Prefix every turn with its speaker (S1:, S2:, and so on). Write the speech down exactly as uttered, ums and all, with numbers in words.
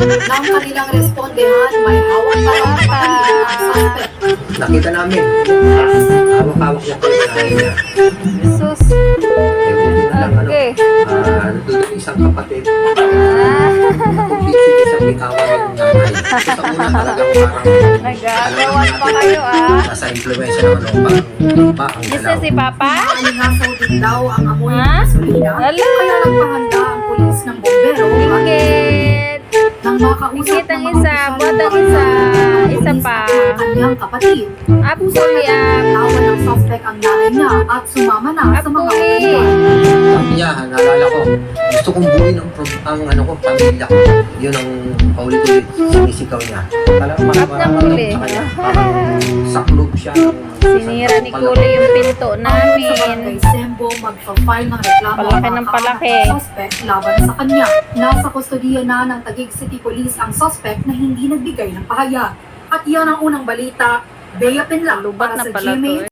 S1: Nang kanilang respondehan, may hawak pa raw na baril ang suspect.
S2: Nakita namin, hawak-hawak niya po yung nanay niya.
S3: Jesus.
S2: Eh, buti na lang, ano,
S3: Okay.
S2: ah, nandun yung isang kapatid.
S3: Ah,
S2: Complete isang bitawan yung nanay. So, sa una talagang parang
S3: nag-agawan pa kayo ah.
S2: nasa impluensya ng ano, parang pa ang
S3: Gusto
S2: galaw.
S3: si Papa?
S1: Alingasaw din daw ang amoy
S3: Ha?
S1: ng gasolina,
S3: Hala.
S1: kaya nagpahanda ang pulis ng bombero at
S3: Ingit.
S1: nang makausap
S3: Ingit ang
S1: ng mga
S3: isa,
S1: opisyal
S3: buhat
S1: ng
S3: ang isa.
S1: pulis
S3: Isa
S1: at
S3: pa.
S1: ang kanyang kapatid.
S3: Apoy ah.
S1: Tawa ng suspect ang nanay niya at sumama na sa mga
S3: Apoy.
S1: opisyal.
S2: Sabi niya, naalala ko, gusto kong buuin ang, pro- ang ano ko, pamilya ko. Yun ang paulit-ulit sinisigaw niya. Talagang
S3: At ng huli.
S2: sa kanya, parang saklob siya. ng-
S3: Sinira ni Kuli yung pinto
S1: Ayon sa barangay
S3: namin.
S1: Sembo, magpa-file ng reklamo
S3: Palaki
S1: ang
S3: ng
S1: mga
S3: palaki.
S1: kaanak ng suspect laban sa kanya. Nasa kustodiya na ng Taguig City Police ang suspect na hindi nagbigay ng pahayag. At yan ang unang balita. Bea Pinla
S3: Lubat
S1: para
S3: na
S1: sa
S3: pala
S1: G M A
S3: to eh.